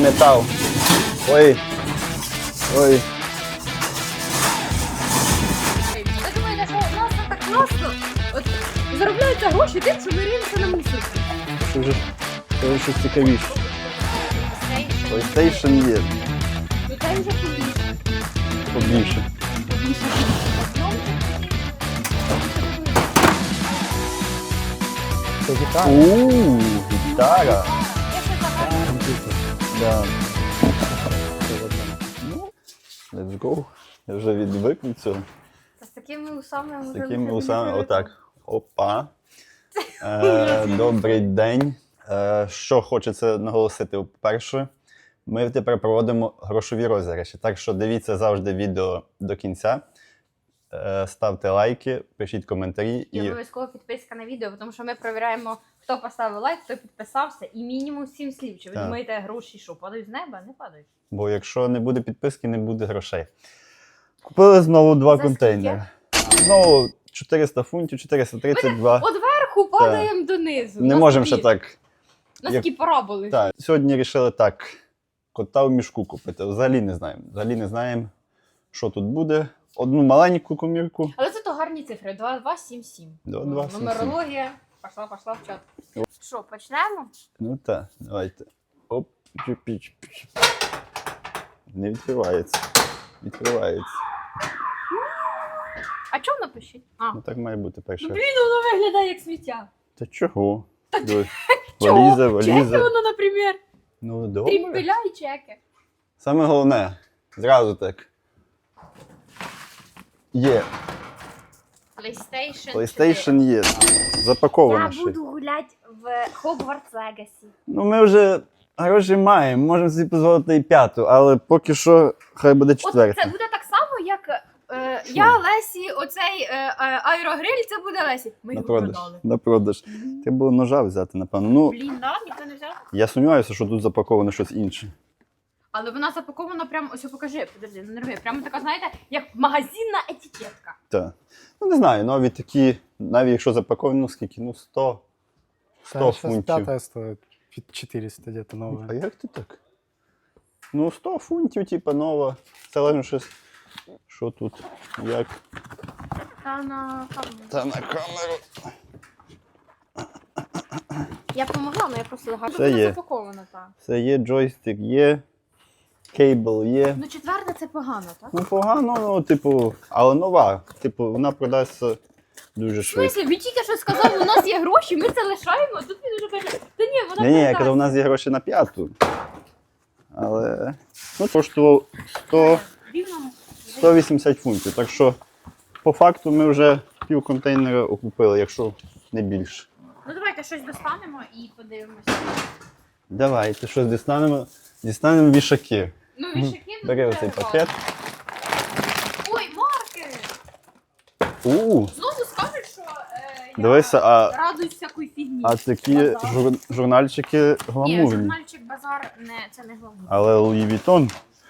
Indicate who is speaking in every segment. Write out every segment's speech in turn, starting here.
Speaker 1: метал. Ой. Ой.
Speaker 2: Ви думаєте, що у нас так просто от, заробляються гроші тим, що ми риємося на мусор?
Speaker 1: Це вже щось цікавіше. PlayStation є.
Speaker 2: Ну це вже побільше.
Speaker 1: Побільше.
Speaker 3: Це гітара.
Speaker 1: Гітара. Да. Ну, let's go. Я вже відвик від цього.
Speaker 2: З такими усами
Speaker 1: З такими усами, отак. Опа. Добрий день. Що хочеться наголосити? По-перше, ми тепер проводимо грошові розіграші. Так що дивіться завжди відео до кінця. Ставте лайки, пишіть коментарі.
Speaker 2: І обов'язково підписка на відео, тому що ми перевіряємо, хто поставив лайк, хто підписався, і мінімум 7 слів. Чи ви
Speaker 1: Так.
Speaker 2: думаєте, гроші що, падають з неба? Не падають.
Speaker 1: Бо якщо не буде підписки, не буде грошей. Купили знову 2
Speaker 2: За
Speaker 1: контейнери. Знову 400 фунтів, 432.
Speaker 2: От верху падаємо донизу.
Speaker 1: Не можемо ще так.
Speaker 2: У нас такі параболи.
Speaker 1: Так. Сьогодні вирішили так. Кота в мішку купити. Взагалі не знаємо. Взагалі не знаємо, що тут буде. Одну маленьку комірку.
Speaker 2: Але це то гарні цифри. 2277.
Speaker 1: 2277.
Speaker 2: Нумерологія. Пішла в чат. Що, почнемо?
Speaker 1: Ну так, давайте. Оп, чупіч. Не відкривається. Відкривається.
Speaker 2: А чому напишіть? А.
Speaker 1: Ну так має бути перший
Speaker 2: Ну,
Speaker 1: раз.
Speaker 2: блін, воно виглядає як сміття.
Speaker 1: Та чого? Дивись.
Speaker 2: Чого?
Speaker 1: Валіза,
Speaker 2: Чеки
Speaker 1: валіза.
Speaker 2: воно, наприклад.
Speaker 1: Ну добре.
Speaker 2: Трімпеля і чеки.
Speaker 1: Саме головне, зразу так. Є. PlayStation є. Запаковано
Speaker 2: Я
Speaker 1: ще.
Speaker 2: буду гуляти в Hogwarts Legacy.
Speaker 1: Ну ми вже гроші маємо, можемо собі дозволити і 5-ту, але поки що хай буде
Speaker 2: От
Speaker 1: 4-та.
Speaker 2: це буде так само, як я Лесі, оцей аерогриль, це буде Лесі. Ми
Speaker 1: На
Speaker 2: його
Speaker 1: продаж.
Speaker 2: продали.
Speaker 1: На продаж. Треба було ножа взяти, напевно. Ну,
Speaker 2: Блін, да, ніхто не взяв.
Speaker 1: я сумніваюся, що тут запаковано щось інше.
Speaker 2: Але вона запакована прямо, ось покажи, подожди, не нерви. Прямо така, знаєте, як магазинна етикетка.
Speaker 1: Так. Ну не знаю, нові такі, навіть якщо запаковано, скільки? Ну 100
Speaker 3: Сейчас
Speaker 1: фунтів.
Speaker 3: пятая стоит 400 где-то
Speaker 1: А
Speaker 3: новая.
Speaker 1: як ти так? Ну 100 фунтів, типа нова. Це лише щось. Що тут? Як?
Speaker 2: Та на камеру.
Speaker 1: Та на камеру.
Speaker 2: Я допомогла, але я просто гарно.
Speaker 1: Це є.
Speaker 2: Запакована, так.
Speaker 1: Це є джойстик, є. Кейбл є.
Speaker 2: Ну, четверта це погано, так?
Speaker 1: Ну погано, ну, типу, але нова. Типу, вона продасться дуже
Speaker 2: В
Speaker 1: швидко.
Speaker 2: смислі, ви тільки що сказали, у нас є гроші, ми це лишаємо, а тут він уже каже, та ні, вона
Speaker 1: Ні, я
Speaker 2: продасть.
Speaker 1: казав, у нас є гроші на 5-ту. Але ну, коштував 100,
Speaker 2: Рівно
Speaker 1: 180 фунтів. Так що, по факту, ми вже пів контейнера окупили, якщо не більше.
Speaker 2: Ну давайте щось достанемо і подивимося.
Speaker 1: Давайте щось дістанемо. Дістанемо вішаки.
Speaker 2: Ну, вішаки тут
Speaker 1: Бери
Speaker 2: вже
Speaker 1: оцей
Speaker 2: багато.
Speaker 1: пакет.
Speaker 2: Ой, маркери! Знову скажуть, що я
Speaker 1: Дивися,
Speaker 2: радуюсь всякої фігні.
Speaker 1: а такі
Speaker 2: Базар.
Speaker 1: журнальчики
Speaker 2: Ні,
Speaker 1: гламурні.
Speaker 2: журнальчик базар, це не гламур.
Speaker 1: Але Луї Вітон.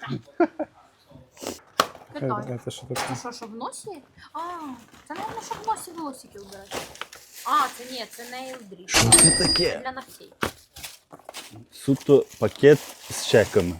Speaker 2: Питаю.
Speaker 3: Это что такое?
Speaker 2: Це що в носі? А, це, мабуть, щоб в носі волосики вбирати. А, це ні, це нейл дріт.
Speaker 1: Що це таке?
Speaker 2: Для ногтей.
Speaker 1: Суто пакет з чеками.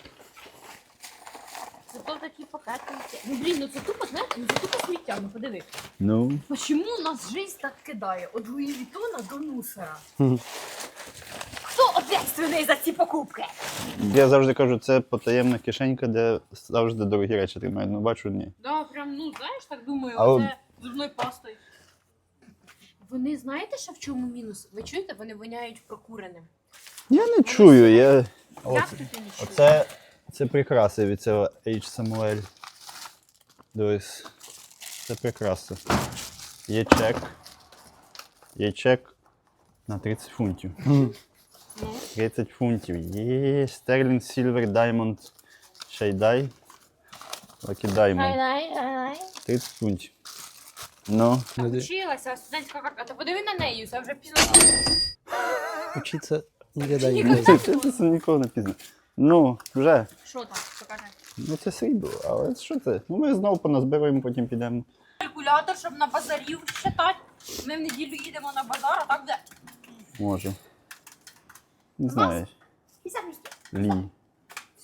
Speaker 2: Це то такі пакетики. Ну, блін, ну це тупо, знаєте, ну це тупо сміття, ну подиви.
Speaker 1: Ну,
Speaker 2: Почему нас жизнь так кидає? От Луї Вітона до мусора.
Speaker 1: Мгм.
Speaker 2: Хто ответственний за ці покупки?
Speaker 1: я завжди кажу, це потаємна кишенька, де завжди дорогі речі тримають. Ну, бачу, ні.
Speaker 2: Да, прям, ну, знаєш, так думаю,
Speaker 1: А
Speaker 2: оце зубною пастою. Вони, знаєте, що в чому мінус? Ви чуєте, вони воняють прокуреним.
Speaker 1: Я не чую, я...
Speaker 2: Як
Speaker 1: Оце,
Speaker 2: тут я не чую?
Speaker 1: це прикраси від цього H. Samuel. Дивись, це прикраси. Є чек. Є чек на 30 фунтів.
Speaker 2: Ну,
Speaker 1: 30 фунтів. Є Sterling Silver Diamond Shayday. Lucky Diamond.
Speaker 2: ай-ай-ай.
Speaker 1: 30 фунтів. Ну,
Speaker 2: Вчилася, студентська карта. Та подиви на неї, це вже пізно.
Speaker 3: Учиться никогда не
Speaker 2: Никогда.
Speaker 3: поздно.
Speaker 1: це ніколи не пізно. Ну, вже.
Speaker 2: Що там, покажи.
Speaker 1: Ну це срібло, але що це? Ну ми знову поназбираємо, потім підемо.
Speaker 2: Калькулятор, щоб на базарів считати. Ми в неділю їдемо на базар, а так де?
Speaker 1: Може. Не знаю.
Speaker 2: І самі.
Speaker 1: Лі.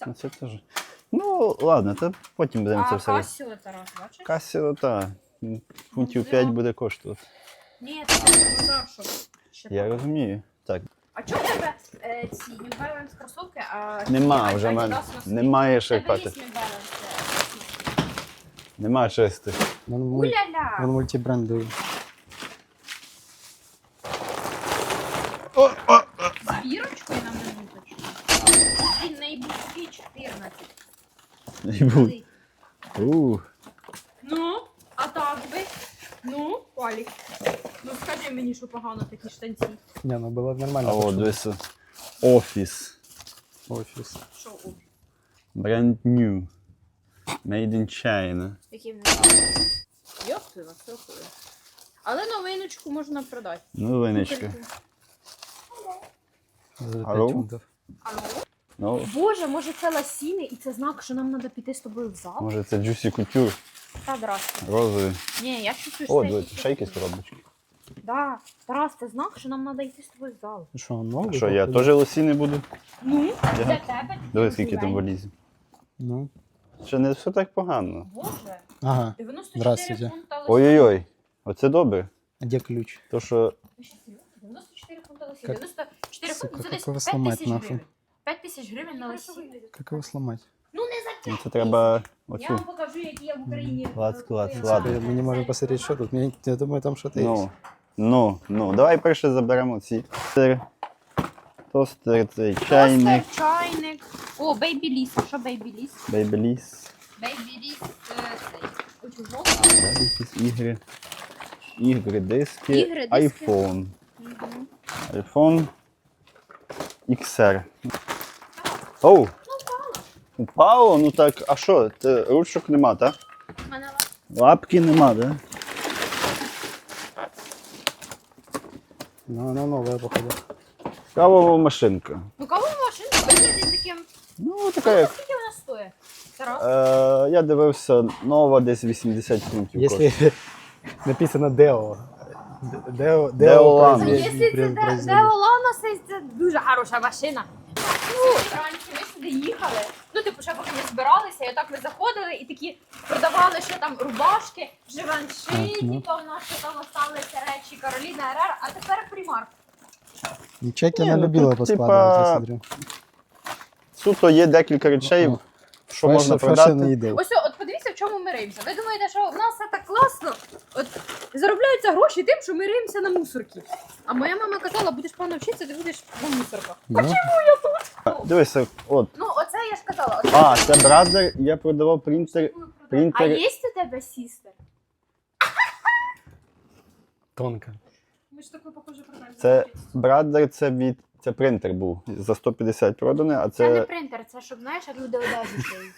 Speaker 1: Ну, це теж. Ну, ладно, то потім будемо це
Speaker 2: А
Speaker 1: все.
Speaker 2: Касіо, Тарас, бачиш?
Speaker 1: Касіо, так. Фунтів 5 буде коштувати.
Speaker 2: Ні, це не базар, що. ще
Speaker 1: Я
Speaker 2: так.
Speaker 1: розумію. Так,
Speaker 2: А чого в тебе ці New Balance кросовки, а
Speaker 1: нема
Speaker 2: ці
Speaker 1: вже в мене.
Speaker 2: Adidas носки?
Speaker 1: Немає
Speaker 2: В
Speaker 1: що
Speaker 2: тебе є
Speaker 1: хати.
Speaker 2: New Balance?
Speaker 1: Нема чистих.
Speaker 3: Вон
Speaker 2: Уля-ля!
Speaker 3: мультибрендовий.
Speaker 2: З бірочкою нам не будуть. Він найближчий 14.
Speaker 1: Не буде.
Speaker 2: Ну, а так би? Ну, Олік. Ну скажи мені, що погано такі штанці.
Speaker 3: Не, ну было нормально.
Speaker 1: А от,
Speaker 3: почему?
Speaker 1: дивися. Офіс.
Speaker 3: Офис.
Speaker 2: Що у?
Speaker 1: Brand new. Made in China.
Speaker 2: Які вони? Йоп ти вас рахує. Але новиночку можна продати.
Speaker 1: Новиночка.
Speaker 3: За 5
Speaker 1: Алло?
Speaker 3: фунтов.
Speaker 2: Алло?
Speaker 1: Ну,
Speaker 2: Боже, може це ласіни і це знак, що нам треба піти з тобою в зал?
Speaker 1: може це Juicy Couture.
Speaker 2: Та, здрасте.
Speaker 1: Розовий.
Speaker 2: Ні, я чувствую,
Speaker 1: О,
Speaker 2: що це
Speaker 1: дивіться, ще якісь коробочки.
Speaker 2: Да. Тарас, це знак, що нам треба йти з тобою в зал.
Speaker 3: Что, он новый?
Speaker 1: Що, я
Speaker 3: походу?
Speaker 1: теж лосіни буду?
Speaker 2: Ну,
Speaker 1: Ага.
Speaker 2: для тебе.
Speaker 1: Дивись, скільки там валізів.
Speaker 3: Ну,
Speaker 1: Ще не все так погано.
Speaker 2: Боже,
Speaker 3: ага.
Speaker 2: 94
Speaker 3: Здравствуйте.
Speaker 2: фунта лосі.
Speaker 1: Ой-ой-ой, оце добре.
Speaker 3: А где ключ?
Speaker 1: То, що
Speaker 2: 94 фунта лосі.
Speaker 3: Как-
Speaker 2: 94
Speaker 3: Сука,
Speaker 2: фунта, це
Speaker 3: как
Speaker 2: десь
Speaker 3: его
Speaker 2: 5
Speaker 3: сломать
Speaker 2: тисяч
Speaker 3: нахуй?
Speaker 2: гривень. 5 тисяч гривень на лосі.
Speaker 3: Как его сломать?
Speaker 2: Ну не за
Speaker 1: ну,
Speaker 2: 5
Speaker 1: це треба
Speaker 2: Я
Speaker 1: оцю.
Speaker 2: вам покажу, які я в Україні.
Speaker 1: Клац, клац,
Speaker 2: купила.
Speaker 1: ладно.
Speaker 3: Мы не можем посмотреть, что тут. Я думаю, там что-то есть.
Speaker 1: Ну, давай перше заберемо ці. Тостер, цей чайник,
Speaker 2: Тостер, чайник. О, Baby Liss. Що Baby Liss?
Speaker 1: бейбеліс,
Speaker 2: Baby Liss цей. Оцю жовту.
Speaker 1: якісь ігри. Ігри, диски,
Speaker 2: Ігри, диски.
Speaker 1: iPhone.
Speaker 2: Мгм.
Speaker 1: iPhone XR. Оу! Упало? Ну так, а що? Це ручок нема, так?
Speaker 2: У мене
Speaker 1: Лапки нема, так?
Speaker 3: Но она новая, походу.
Speaker 1: Кавова машинка.
Speaker 2: Ну кого машинка виглядить таким.
Speaker 1: Ну, така як.
Speaker 2: Скільки вона стоїть? Тарас?
Speaker 1: Я дивився, нова десь 80 фунтів. коштує.
Speaker 3: Если написано Део. Део
Speaker 1: Деолана.
Speaker 2: Ну, якщо це Деолана, це дуже хороша машина. Ну, раніше ми сюди їхали. Ну, типу, ще поки ми збиралися, і отак ми заходили і такі продавали ще там рубашки, живанши,
Speaker 3: ну.
Speaker 2: типу, у нас ще там осталися речі Кароліна РР, а тепер примарк.
Speaker 3: Чеки
Speaker 1: Не,
Speaker 3: она
Speaker 1: ну
Speaker 3: любила
Speaker 1: тут,
Speaker 3: поскладывать, я
Speaker 1: типа,
Speaker 3: смотрю.
Speaker 1: Суто є декілька речей,
Speaker 3: Ага.
Speaker 1: що можна
Speaker 3: Fashion
Speaker 1: продати.
Speaker 3: needle.
Speaker 2: Ось, от подивіться, в чому ми риємося. Ви думаєте, що в нас все так класно? От заробляються гроші тим, що ми риємося на мусорки. А моя мама казала, будеш погано вчитися, ти будеш на мусорках.
Speaker 3: Ну,
Speaker 1: Дивися, от.
Speaker 2: Ну, оце я ж казала. Оце
Speaker 1: А, це бразер, я продавав принтер.
Speaker 2: А
Speaker 1: принтер.
Speaker 2: є у тебе сістер?
Speaker 3: тонко.
Speaker 2: Ми ж таку похоже продаємо.
Speaker 1: Це бразер, це принтер був. За 150 проданий, а
Speaker 2: Це не
Speaker 1: це.
Speaker 2: принтер, це щоб, знаєш, як люди одежу шиють.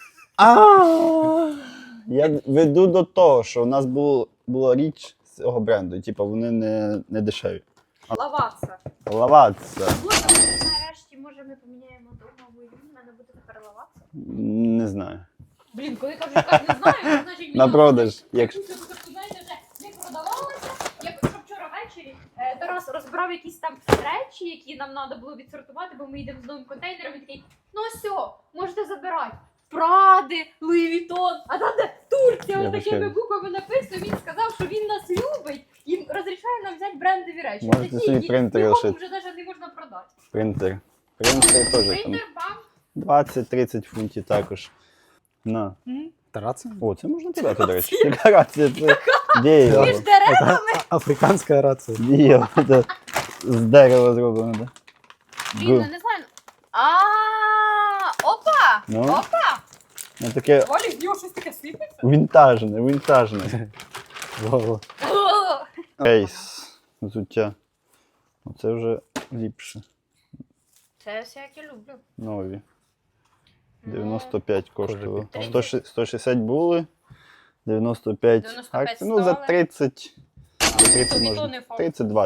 Speaker 1: Я веду до того, що у нас була річ з цього бренду, і типу вони не дешеві.
Speaker 2: Лаватися.
Speaker 1: Лаватися.
Speaker 2: Боже, може, нарешті, може, ми поміняємо домову і в мене буде тепер лаватися?
Speaker 1: Не знаю.
Speaker 2: Блін, коли кажу, я так не знаю, то значить
Speaker 1: На продаж.
Speaker 2: Якщо знаєте, вже не продавалося, якщо вчора ввечері Тарас розбирав якісь там речі, які нам треба було відсортувати, бо ми йдемо з новим контейнером, і такий, ну все, можете забирати. Пради, Луї Вітон, а там де Турція,
Speaker 1: Я
Speaker 2: отакими
Speaker 1: вибачаю.
Speaker 2: буквами написано, він сказав, що він нас любить і розрішає нам взяти брендові речі.
Speaker 1: Можете
Speaker 2: Такі,
Speaker 1: собі
Speaker 2: які
Speaker 1: принтер
Speaker 2: нікому
Speaker 1: лишити.
Speaker 2: вже навіть не можна продати.
Speaker 1: Принтер. Принтер теж там
Speaker 2: Принтер, бам.
Speaker 1: 20-30 фунтів також. На.
Speaker 3: Тараться?
Speaker 1: О, це можна подати, до речі. Яка рація? Це дієво.
Speaker 2: Між дерев.
Speaker 3: Это африканская рация.
Speaker 1: Дієво. Це з дерева зроблено, так?
Speaker 2: Блін, я не знаю. Опа!
Speaker 1: Ну?
Speaker 2: Опа!
Speaker 1: Ну таке
Speaker 2: Валі, з нього щось таке сипеться?
Speaker 1: вінтажне.
Speaker 3: Во-во.
Speaker 1: Ейс. Взуття. Оце вже ліпше.
Speaker 2: Це все, як я люблю.
Speaker 1: Нові.
Speaker 2: Ну,
Speaker 1: 95 коштувало.
Speaker 2: Тридцять.
Speaker 1: 160 були. 95
Speaker 2: 95
Speaker 1: акцій. Ну, за
Speaker 2: стали.
Speaker 1: 30. За 30
Speaker 2: Тобі то
Speaker 1: можна.
Speaker 2: не факт.
Speaker 1: 30-20.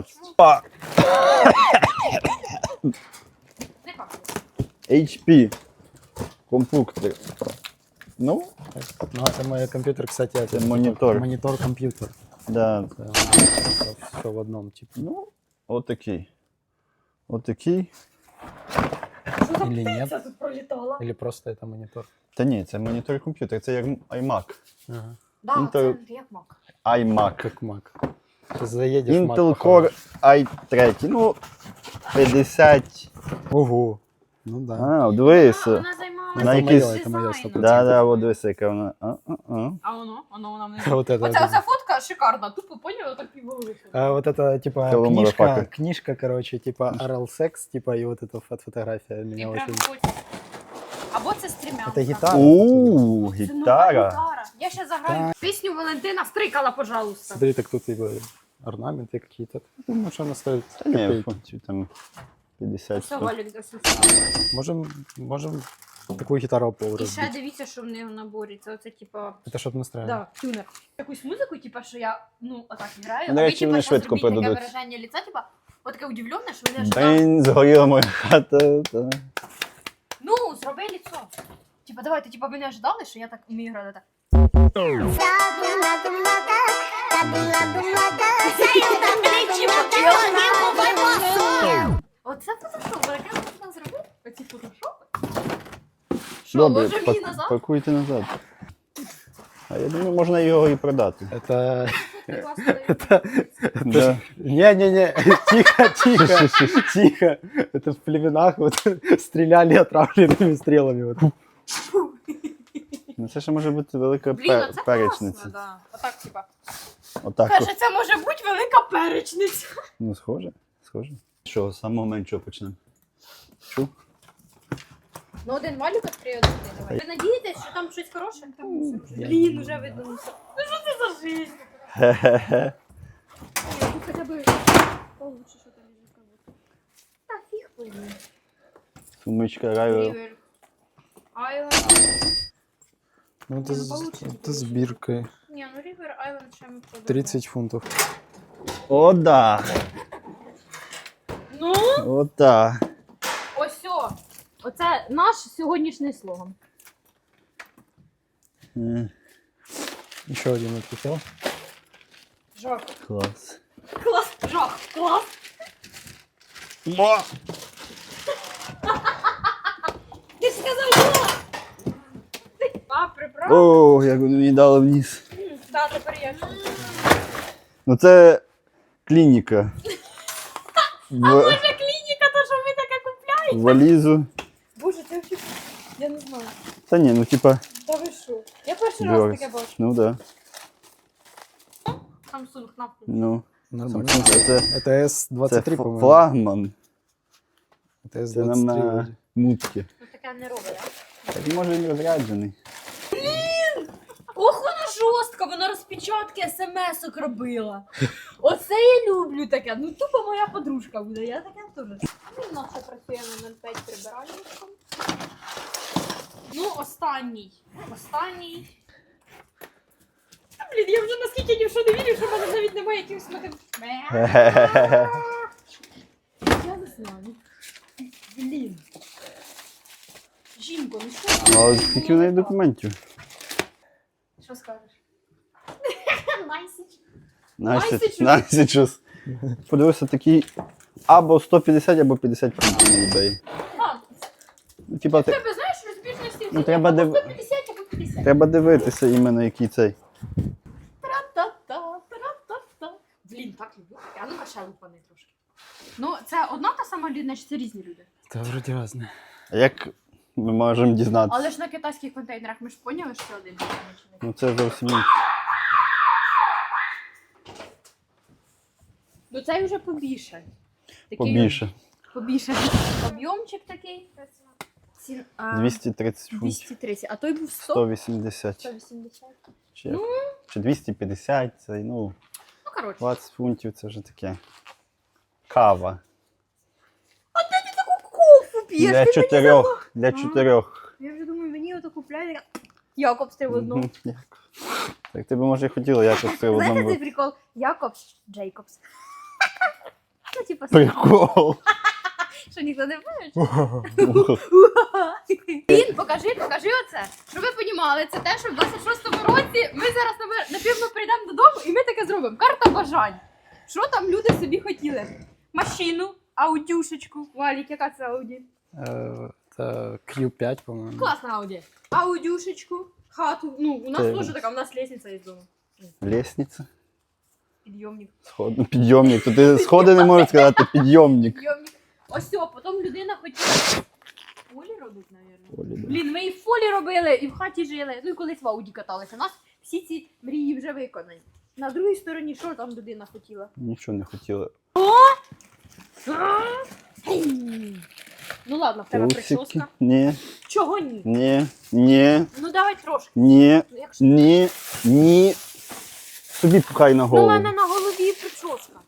Speaker 2: Не факт.
Speaker 1: HP. Компуктор. Ну,
Speaker 3: Ну, это мой компьютер, кстати, это
Speaker 1: монитор.
Speaker 3: Монитор-компьютер.
Speaker 1: да.
Speaker 3: Все в одном, типа.
Speaker 1: Ну, отакий. Отакий.
Speaker 2: Що за
Speaker 3: Или
Speaker 2: птиця
Speaker 3: нет?
Speaker 2: тут пролітала?
Speaker 3: Или просто это монитор?
Speaker 1: Та ні, це монітор комп'ютер, це як iMac.
Speaker 3: Ага.
Speaker 2: Да,
Speaker 1: Intel-
Speaker 2: це як мак.
Speaker 1: iMac.
Speaker 3: Как Mac. Ты заедешь в Mac,
Speaker 1: Intel
Speaker 3: похоже.
Speaker 1: Core i3. Ну, 50.
Speaker 3: Ого. Ну да.
Speaker 1: А, дивися.
Speaker 2: Вона займалася
Speaker 1: На
Speaker 3: Это
Speaker 1: якісь-
Speaker 3: моё, это моё, 100%.
Speaker 1: Да, от дивися, яка вона.
Speaker 2: А воно вона не.
Speaker 3: Вот это.
Speaker 2: Оця фотка шикарна, тупо поняла, так півголи.
Speaker 3: Вот это, типа,
Speaker 1: Hello,
Speaker 3: книжка,
Speaker 1: motherfucker.
Speaker 3: книжка, короче, типа, oral sex, типа, и вот эта фотография
Speaker 2: І
Speaker 3: меня
Speaker 2: прям
Speaker 3: очень...
Speaker 2: хочеться. Або це стрімянка.
Speaker 3: Это гитара.
Speaker 1: Ууу,
Speaker 2: Це нова
Speaker 1: гітара.
Speaker 2: гітара. Я ще заграю пісню Валентина Стрикала, пожалуйста.
Speaker 3: Смотри, так тут типа орнаменты какие-то. Думаю, что она стоит
Speaker 1: Та ні,
Speaker 3: копейки.
Speaker 1: фунтів там 50.
Speaker 2: Все,
Speaker 1: 100.
Speaker 2: Валік досить.
Speaker 3: Можем такую гитару пол
Speaker 2: І ще
Speaker 3: разбить.
Speaker 2: дивіться, що в неї в наборі. Це оце, типа,
Speaker 3: Это чтобы настраивать.
Speaker 2: да, тюнер. Якусь музику, типа, що я, ну, отак граю,
Speaker 1: До
Speaker 2: а ви,
Speaker 1: речі,
Speaker 2: типа,
Speaker 1: вони
Speaker 2: щас
Speaker 1: швидко
Speaker 2: робіть таке
Speaker 1: продадуть.
Speaker 2: вираження лиця, типа, отаке удивлене, що ви ожидали.
Speaker 1: Блін, згоріла моя хата. Та.
Speaker 2: Ну, зроби лицо. Типа, давайте, типа, ви не ожидали, що я так вмію грати так. Оце фотошоп, яке можна зробити? Оці фотошопи? Що,
Speaker 1: Добре,
Speaker 2: може мені назад?
Speaker 1: пакуйте назад. А я думаю, можна його і продати.
Speaker 3: Это...
Speaker 2: Класно.
Speaker 1: Да.
Speaker 3: Не-не-не, тихо, тихо, тихо. Это в племенах вот стреляли отравленными стрелами. Вот.
Speaker 1: Ну це ще може бути велика
Speaker 2: Блін, а це
Speaker 1: перечниця.
Speaker 2: класно, да. Отак, типа.
Speaker 1: Отак.
Speaker 2: Каже, це може бути велика перечниця.
Speaker 1: Ну, схоже, схоже. Що, з самого меншого почнемо? Чу?
Speaker 2: Ну, один малюк відкриє один. Давай. Ви надієтесь, що там щось хороше? Там все вже. Блін, уже видно. Ну що це за жизнь?
Speaker 1: Хе-хе-хе.
Speaker 2: Ні, ну хоча б получше, що там лежить как будто. Та фіг пойми.
Speaker 1: Сумичка райва.
Speaker 2: Рівер. Айленд.
Speaker 3: Ну, это,
Speaker 2: Не, ну, получится,
Speaker 3: это с биркой.
Speaker 2: Ні, ну Рівер Айленд ще ми продаємо.
Speaker 3: 30 фунтов.
Speaker 1: О, да.
Speaker 2: Ну,
Speaker 1: О, да.
Speaker 2: ось о. Оце наш сьогоднішній слоган.
Speaker 3: Еще один отлетел.
Speaker 2: Жах.
Speaker 1: Клас.
Speaker 2: Клас. Жах. Клас. Ти ж сказав жах. А, приправ?
Speaker 1: О, як вони мені дали вниз.
Speaker 2: Так, тепер я.
Speaker 1: Ну це клініка.
Speaker 2: Може клініка, то що ми таке купляємо?
Speaker 1: Валізу.
Speaker 2: Боже, це взагалі... Я не знаю.
Speaker 1: Та ні, ну типа.
Speaker 2: Та ви що? Я перший раз
Speaker 1: Бьорс.
Speaker 2: таке бачу.
Speaker 1: Ну да.
Speaker 2: Samsung на
Speaker 1: Ну.
Speaker 3: Нормально.
Speaker 1: Samsung це
Speaker 3: Это S23,
Speaker 1: це
Speaker 3: по-моему.
Speaker 1: флагман.
Speaker 3: Это
Speaker 1: Це нам
Speaker 3: S23.
Speaker 1: на
Speaker 3: вроде.
Speaker 1: мутки.
Speaker 2: Ну таке не робить, а?
Speaker 1: Так може він розряджений.
Speaker 2: Ох, вона жорстка, вона розпечатки смс-ок робила. Оце я люблю таке. Ну тупо моя подружка буде, я таке теж. Ну, у нас ще працює на 05 прибиральником. Ну, останній. Останній. Та, блін, я вже наскільки ні в що не вірю, що в мене навіть немає якихось мотив. Я не знаю. Блін. Жінко, ну що?
Speaker 1: А скільки в неї документів?
Speaker 2: Що скажеш? Найсіч.
Speaker 1: Найсіч. Найсічус. Подивився такий або 150, або 50 фунтів на eBay.
Speaker 2: А,
Speaker 1: Ну, типа,
Speaker 2: в тебе, знаєш, розбіжності
Speaker 1: Ну, треба
Speaker 2: або
Speaker 1: див-
Speaker 2: 150, або 50.
Speaker 1: треба дивитися іменно який цей.
Speaker 2: Тра-та-та, тра-та-та. Блін, так люблю. А ну-ка ще лупани трошки. Ну, це одна та сама людина, чи це різні люди?
Speaker 3: Да, вроде разные.
Speaker 1: А як ми можемо дізнатися?
Speaker 2: Але ж на китайських контейнерах ми ж поняли, що один визначений.
Speaker 1: Ну це зовсім інше.
Speaker 2: Ну цей вже побільше. Такий
Speaker 1: Побільше.
Speaker 2: Побільше. Об'ємчик такий.
Speaker 1: 230 фунтів.
Speaker 2: 230. А той був 100?
Speaker 1: 180.
Speaker 2: 180.
Speaker 1: Чи,
Speaker 2: Ну.
Speaker 1: чи 250, це, ну,
Speaker 2: Ну, коротше.
Speaker 1: 20 фунтів це вже таке. Кава.
Speaker 2: А де ти таку кофу п'єш?
Speaker 1: Для
Speaker 2: Ти
Speaker 1: чотирьох. Для
Speaker 2: Ага.
Speaker 1: чотирьох.
Speaker 2: Я вже думаю, мені ото купляють. Якобс, ти в одному.
Speaker 1: Мгм, Якобс. Так ти б може і хотіла якось це в
Speaker 2: Знаєте
Speaker 1: одному.
Speaker 2: цей прикол? Якобс, Джейкобс. Ну, типа,
Speaker 1: Прикол.
Speaker 2: що ніхто не бачить. Він, покажи оце. Щоб ви понімали, це те, що в 26-му році ми зараз, напевно, прийдемо додому і ми таке зробимо. Карта бажань. Що там люди собі хотіли? Машину, аудюшечку. Валік, яка це ауді?
Speaker 3: Це Q5, по-моєму.
Speaker 2: Класна Ауді. Аудюшечку, хату. Ну, у нас
Speaker 1: Ти-
Speaker 2: теж така, у нас лестниця із дому.
Speaker 1: Лестниця.
Speaker 2: Підйомник.
Speaker 1: Сход... Ну, підйомник. То ти сходи не можеш сказати, підйомник.
Speaker 2: Підйомник. Ось все, потім людина хотіла фолі робити, мабуть.
Speaker 1: Олі, да.
Speaker 2: Блін, ми і в фолі робили, і в хаті жили. Ну і колись в Ауді каталися. У нас всі ці мрії вже виконані. На другій стороні, що там людина хотіла?
Speaker 1: Нічого не хотіли.
Speaker 2: Ну ладно, в тебе
Speaker 1: Трусики.
Speaker 2: прическа.
Speaker 1: Ні,
Speaker 2: Чого ні?
Speaker 1: ні.
Speaker 2: Ну давай трошки.
Speaker 1: Ні,
Speaker 2: Ну, якщо...
Speaker 1: ні. Собі пхай на
Speaker 2: Ну, у
Speaker 1: голову.
Speaker 2: мене на голові прическа.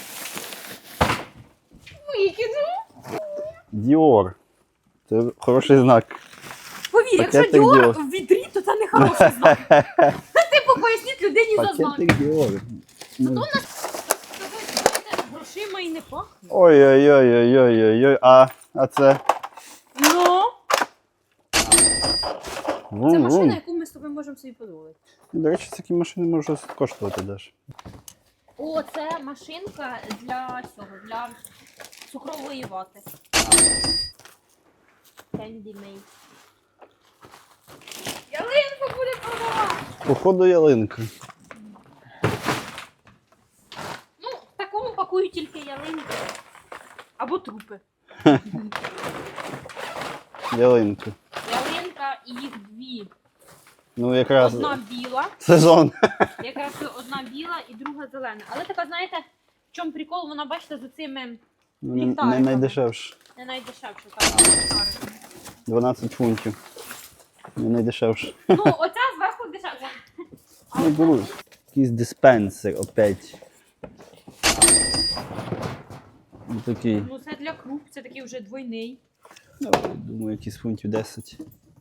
Speaker 2: Викину.
Speaker 1: Діор. Це хороший знак.
Speaker 2: Повір, якщо
Speaker 1: Пакетик
Speaker 2: Діор
Speaker 1: Dior.
Speaker 2: в відрі, то це не хороший знак. Типу, поясніть людині за знак.
Speaker 1: Пакетик Діор. Ну.
Speaker 2: Грошима і не пахне.
Speaker 1: Ой-ой-ой-ой-ой-ой. А це?
Speaker 2: Ну, це
Speaker 1: Вум-вум.
Speaker 2: машина, яку ми з тобою можемо собі дозволити.
Speaker 1: До речі, такі машини можуть коштувати теж.
Speaker 2: О, це машинка для цього, для цукрової вати. Candy Made. Ялинку буде продавати!
Speaker 1: Походу ялинка.
Speaker 2: Ну, в такому пакують тільки ялинки. Або трупи.
Speaker 1: Ялинка.
Speaker 2: Ялинка і їх дві.
Speaker 1: Ну якраз
Speaker 2: Одна біла,
Speaker 1: сезон.
Speaker 2: якраз одна біла і друга зелена. Але така, знаєте, в чому прикол, вона, бачите, з цими
Speaker 1: Ну, Не
Speaker 2: Ліхтариками.
Speaker 1: найдешевше.
Speaker 2: не найдешевше. Так,
Speaker 1: 12 фунтів. Не найдешевше.
Speaker 2: ну, оця зверху дешевша. А
Speaker 1: Не
Speaker 2: оця-
Speaker 1: беру. Якийсь диспенсер опять. Ну, такий.
Speaker 2: Ну, це для круп, це такий вже двойний.
Speaker 1: Ну, думаю, якийсь фунтів 10.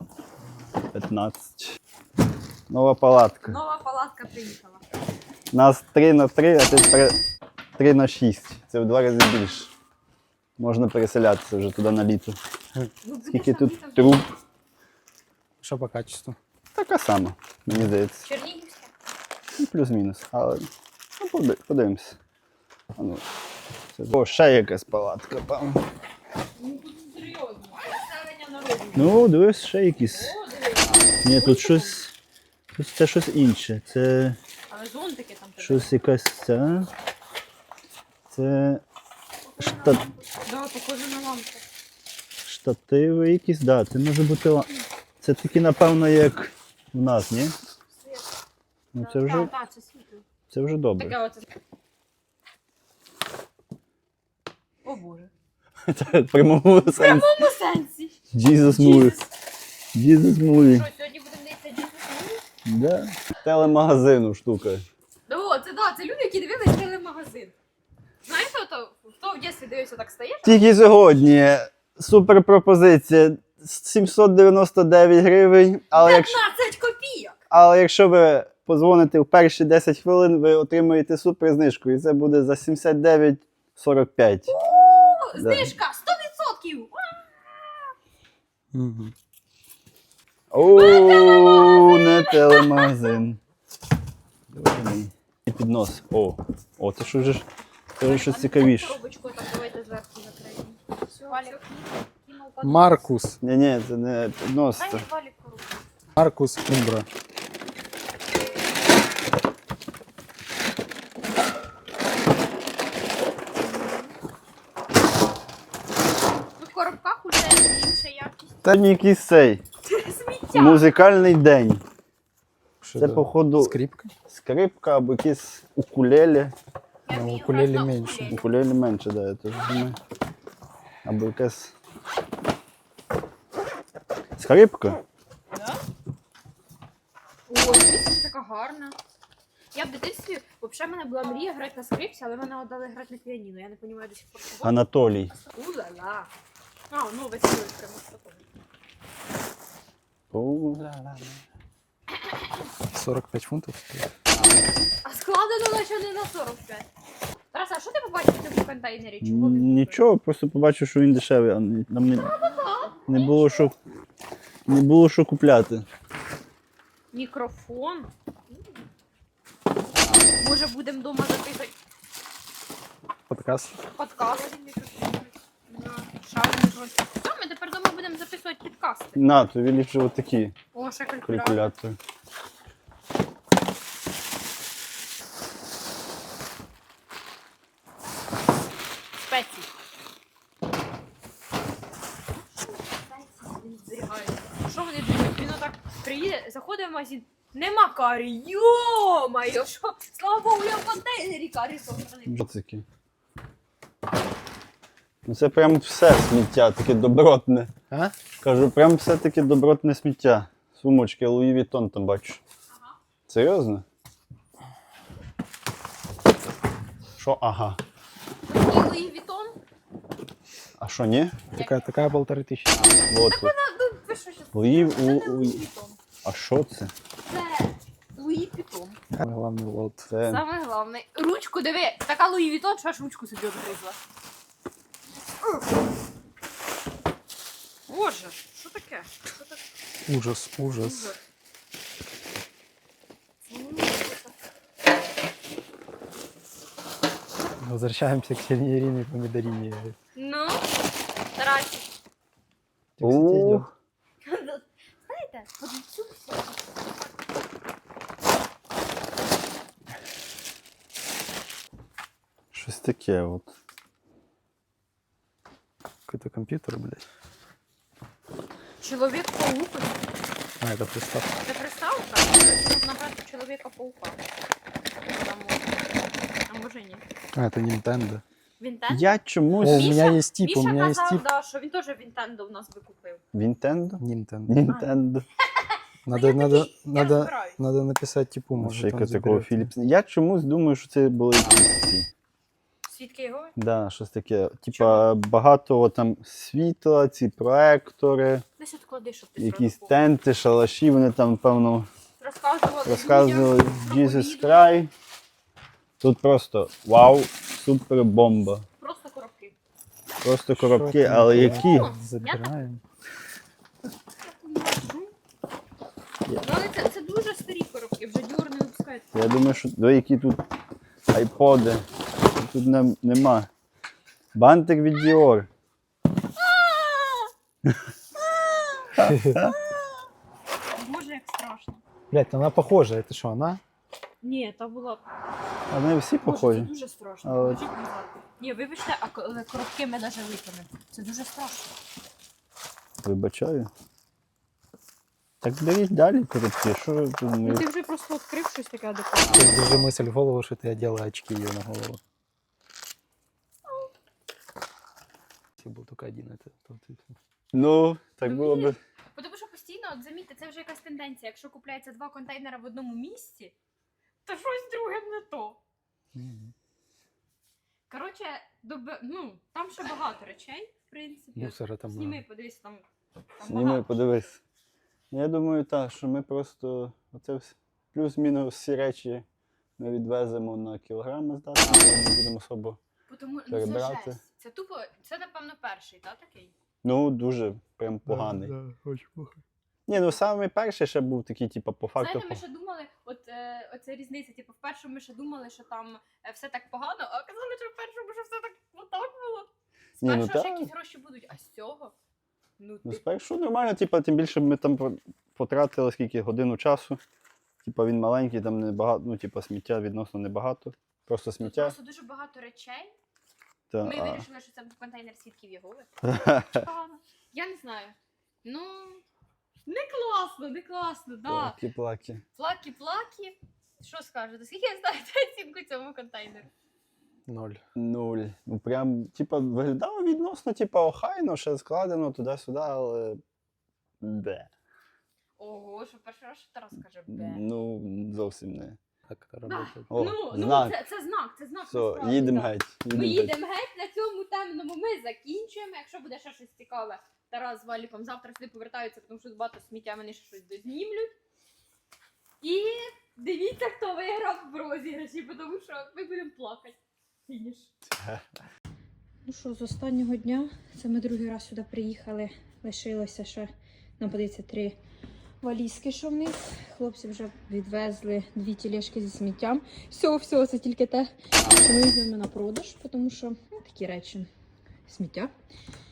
Speaker 1: 15. Нова палатка.
Speaker 2: Нова палатка приїхала.
Speaker 1: Нас 3х3, а тепер 3х6. Це в 2 рази більше. Можна переселятися вже туди на літо.
Speaker 2: Ну, буде
Speaker 1: Скільки
Speaker 2: самі
Speaker 1: тут
Speaker 2: там
Speaker 1: труб?
Speaker 3: Що по качеству?
Speaker 1: Така сама, мені здається.
Speaker 2: Чернігівське.
Speaker 1: Ну, плюс-мінус. Але ну, подивимось. А ну, О, ще якась палатка, певно.
Speaker 2: Ну, тут серйозно. Населення народу.
Speaker 1: Ну, дивись, ще якісь.
Speaker 2: О, дивись.
Speaker 1: Ні, тут щось. Тут це щось інше. Це
Speaker 2: Але зонтики там тебе.
Speaker 1: щось якась ця. Це штат...
Speaker 2: Да, похоже на лампу.
Speaker 1: штативи якісь, да, це може бути. Це такі, напевно, як в нас, ні?
Speaker 2: Світ.
Speaker 1: Ну це вже,
Speaker 2: Так, це світло.
Speaker 1: це вже добре.
Speaker 2: Таке оце. О боже.
Speaker 1: Це в прямому
Speaker 2: В
Speaker 1: сенсі.
Speaker 2: прямому сенсі.
Speaker 1: Jesus movie.
Speaker 2: Jesus.
Speaker 1: Jesus movie.
Speaker 2: Що, сьогодні будемо дивитися Jesus Movie?
Speaker 1: Да. Телемагазину штука.
Speaker 2: О, це да, це люди, які дивились телемагазин. Знаєте, хто в дитинстві дивився, так стаєш?
Speaker 1: Тільки сьогодні супер пропозиція 799 гривень, але
Speaker 2: 15 копійок!
Speaker 1: якщо ви подзвоните в перші 10 хвилин, ви отримаєте супер знижку, і це буде за 79,45.
Speaker 2: О, знижка 100%!
Speaker 3: Угу.
Speaker 1: Ооо, не телемагазин. Дивний. І піднос. О, це що ж? Це вже щось цікавіше.
Speaker 2: Коробочку так давайте зверху закриємо. Все, Валік, кинув под-
Speaker 3: Маркус.
Speaker 1: Ні, це не піднос.
Speaker 2: Дай
Speaker 1: Це.
Speaker 2: Валік коробку.
Speaker 3: Маркус Умбра.
Speaker 2: Тут в коробках уже інша якість.
Speaker 1: Це якийсь цей
Speaker 2: Сміття!
Speaker 1: музикальний день.
Speaker 3: Що
Speaker 1: Це, походу,
Speaker 3: скрипка?
Speaker 1: скрипка або якісь укулелі.
Speaker 2: Я
Speaker 3: Ну,
Speaker 2: вмію
Speaker 3: укулеле
Speaker 2: грати на
Speaker 3: менше.
Speaker 2: укулелі.
Speaker 1: Укулелі менше, да, я теж думаю. Або якась скрипка.
Speaker 2: Да? Ой, дивіться, така гарна. Я в дитинстві, взагалі, в мене була мрія грати на скрипці, але мене віддали грати на піаніно. Я не розумію до сих пор чого.
Speaker 1: Анатолій.
Speaker 2: Ула-ла. А, ну веселий прямо з такого.
Speaker 3: 45 фунтів стоїть.
Speaker 2: А складено наче не на 45. Тарас, а що ти побачив в цьому контейнері? Чого він?
Speaker 1: Нічого, просто побачив, що він дешевий, а нам не було що купляти.
Speaker 2: Мікрофон. Може будемо вдома записати
Speaker 3: Подкаст.
Speaker 2: подкаст. Шаримо Коротше, все, ми тепер дома будемо записувати підкасти.
Speaker 1: На, тобі ліпше отакі
Speaker 2: О, ще калькулятор.
Speaker 1: калькулятори.
Speaker 2: Спеції. Він зберігає. Що вони думають? Він отак приїде, заходить в магазин. Нема карі. Йо-моє, що? Слава Богу, я в контейнері карі собраний.
Speaker 1: Боцики. Ну це прям все сміття, таке добротне.
Speaker 3: А?
Speaker 1: Кажу, прям все таке добротне сміття. Сумочки, Луї Вітон там бачу.
Speaker 2: Ага.
Speaker 1: Серйозно? Що ага?
Speaker 2: І Луї Вітон.
Speaker 1: А що, ні?
Speaker 3: Такая 1500.
Speaker 1: Вот.
Speaker 2: Ну, ви що щас?
Speaker 1: Луї,
Speaker 2: Це не Луї Вітон.
Speaker 1: А що це?
Speaker 2: Це Луї Вітон.
Speaker 3: Главный лот.
Speaker 1: Це...
Speaker 2: Саме головне. Ручку диви. Така Луї Вітон, що аж ручку собі обгризла. Боже, що таке? Що таке?
Speaker 3: Ужас, ужас.
Speaker 2: Ужас.
Speaker 3: Возвращаемся к Северине и Помидорине.
Speaker 2: Ну, Тарасик.
Speaker 3: Ты, кстати, идёт.
Speaker 2: Знаєте, от цю всю.
Speaker 1: Щось таке от.
Speaker 3: Какой-то компьютер, блядь.
Speaker 2: Чоловік-паук.
Speaker 3: А, это приставка.
Speaker 2: Це приставка? Тут набрати Чоловіка-паука. А може ні.
Speaker 3: А, это Nintendo.
Speaker 2: Вінтендо?
Speaker 1: Я
Speaker 3: О,
Speaker 1: чомусь...
Speaker 3: у
Speaker 2: Міша-
Speaker 3: меня есть тип, у
Speaker 2: Міша
Speaker 3: меня есть
Speaker 2: казав,
Speaker 3: тип.
Speaker 2: да, що він теж Вінтендо в нас би купив.
Speaker 1: Вінтендо?
Speaker 3: Nintendo.
Speaker 1: Нінтендо.
Speaker 3: Надо,
Speaker 2: я
Speaker 3: надо,
Speaker 2: такий, я
Speaker 3: надо,
Speaker 2: розбираюсь.
Speaker 3: надо написать типу, может
Speaker 1: Ще
Speaker 3: он
Speaker 1: якось такого
Speaker 3: заберет.
Speaker 1: Філіпс. Я чомусь думаю, що це були якісь ці.
Speaker 2: Свідки його?
Speaker 1: Да, щось таке. Типа
Speaker 2: Чого?
Speaker 1: багато там світла, ці проектори,
Speaker 2: Десь отклади, щоб ти
Speaker 1: якісь
Speaker 2: зразу
Speaker 1: тенти, шалаші, вони там, певно,
Speaker 2: розказували людям про
Speaker 1: Jesus
Speaker 2: ковід.
Speaker 1: Cry. Тут просто вау, супер бомба.
Speaker 2: Просто коробки.
Speaker 1: Просто
Speaker 3: Що
Speaker 1: коробки,
Speaker 3: там
Speaker 1: але
Speaker 3: таке?
Speaker 1: які?
Speaker 3: Забираем.
Speaker 2: Ну, але це дуже старі коробки, вже Dior не випускають.
Speaker 1: Я думаю, що до які тут айподи. Тут нема. Бантик від Dior.
Speaker 2: Боже, як страшно.
Speaker 3: Блядь, она похожа, это что, она?
Speaker 2: Ні, та була.
Speaker 1: А вони всі
Speaker 2: Боже, це
Speaker 1: похожі.
Speaker 2: дуже страшно.
Speaker 1: Але-
Speaker 2: Положіть назад. Ні, вибачте, а коробки ми навіть викинемо. Це дуже страшно.
Speaker 1: Вибачаю. Так беріть далі коробки. Що ви тут
Speaker 2: Ну
Speaker 1: ми-
Speaker 2: ти вже просто відкрив щось таке адекватне.
Speaker 3: Ты держи мысль в голову, что ты одела очки ее на голову. Если был только один, это... то ты-
Speaker 1: Ну, так
Speaker 2: Ну,
Speaker 1: було би.
Speaker 2: Тому що постійно, от замітьте, це вже якась тенденція. Якщо купляється 2 контейнери в одному місці, то щось друге не то. Коротше, там ще багато речей, в принципі.
Speaker 3: Мусора там
Speaker 2: Зніми,
Speaker 3: много.
Speaker 2: подивись, там
Speaker 1: Зніми,
Speaker 2: багато.
Speaker 1: подивись. Я думаю, так, що ми просто оце плюс-мінус всі речі ми відвеземо на кілограми здати, не будемо особо.
Speaker 2: Тому, це
Speaker 1: перебирати.
Speaker 2: жесть. Це тупо, це напевно перший, так, такий?
Speaker 1: Ну, дуже прям поганий.
Speaker 3: Да, очень плохо.
Speaker 1: Ні, ну самий перший ще був такий, типу, по факту.
Speaker 2: Знаєте, ми ще думали, оце різниця, типу, в першому ми ще думали, що там все так погано, а казали, що в першому, що все так отак було. З
Speaker 1: Ні, ну
Speaker 2: першого ж
Speaker 1: так.
Speaker 2: якісь гроші будуть, а з цього? Ну,
Speaker 1: Ну,
Speaker 2: ти...
Speaker 1: спершу нормально, типу, тим більше ми там потратили скільки годину часу. Типу він маленький, там небагато, ну, типу, сміття відносно небагато. Просто
Speaker 2: Тут
Speaker 1: сміття.
Speaker 2: просто дуже багато речей.
Speaker 1: Та,
Speaker 2: Ми
Speaker 1: а.
Speaker 2: вирішили, що це був контейнер свідків Єгови. Погано. Я не знаю. Ну, не класно, да.
Speaker 1: Плаки-плаки.
Speaker 2: Плакі-плакі. Що скажете? Скільки я ставите оцінку цьому контейнеру?
Speaker 3: 0.
Speaker 1: 0. Ну прям, типа, виглядало відносно, типа, охайно, ще складено туди-сюди, але. Де.
Speaker 2: Ого, що перший раз що Тарас каже бе.
Speaker 1: Ну, зовсім не.
Speaker 3: Так это
Speaker 2: Да.
Speaker 3: работает.
Speaker 1: О,
Speaker 2: Ну,
Speaker 1: знак.
Speaker 2: це знак, це знак.
Speaker 1: Все,
Speaker 2: насправді,
Speaker 1: їдемо
Speaker 2: да.
Speaker 1: геть.
Speaker 2: Ми їдемо геть на цьому темному, ми закінчуємо. Якщо буде ще щось цікаве, Тарас з Валіком завтра сюди повертаються, тому що багато сміття вони ще щось дознімлють. І дивіться, хто виграв в розіграші, тому що ми будемо плакати. Фініш. Ну що, з останнього дня, це ми другий раз сюди приїхали, лишилося ще, нам подається 3 валізки, що вниз. Хлопці вже відвезли 2 тележки зі сміттям. Все, це тільки те, що ми візьмемо на продаж, тому що такі речі, сміття.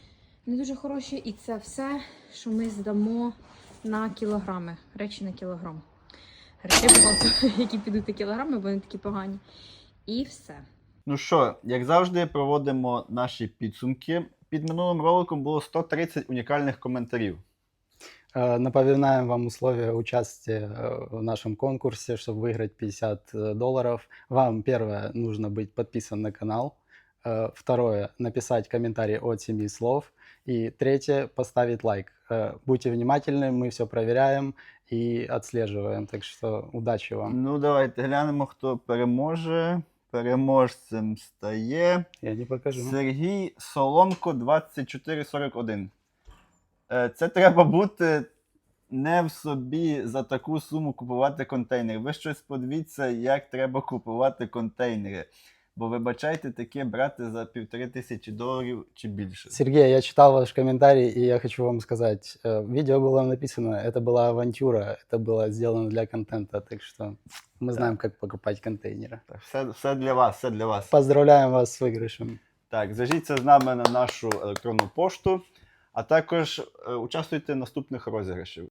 Speaker 2: не дуже хороші. І це все, що ми здамо на кілограми. Речі на кілограм. Речей багато, які підуть на кілограми, бо вони такі погані. І все.
Speaker 1: Ну що, як завжди, проводимо наші підсумки. Під минулим роликом було 130 унікальних коментарів.
Speaker 3: Напоминаем вам условия участия в нашем конкурсе, чтобы выиграть $50. Вам, первое, нужно быть подписан на канал. Второе, написать комментарий от 7 слов. И третье, поставить лайк. Будьте внимательны, мы все проверяем и отслеживаем. Так что удачи вам.
Speaker 1: Ну, давайте глянемо, хто переможе. Переможцем стає
Speaker 3: Я не покажу.
Speaker 1: Сергій Соломко 2441. Це треба бути не в собі за таку суму купувати контейнери. Ви щось подивіться, як треба купувати контейнери. Бо вибачайте, таке брати за $1500 чи більше.
Speaker 3: Сергей, я читал ваш комментарий, и я хочу вам сказать, видео было написано, это была авантюра, это было сделано для контента, так что мы знаем, как покупать контейнеры.
Speaker 1: Так, все для вас, все для вас.
Speaker 3: Поздравляем вас с выигрышем.
Speaker 1: Так, зв'яжіться з нами на нашу електронну пошту, а також участвуйте в наступних розіграшів.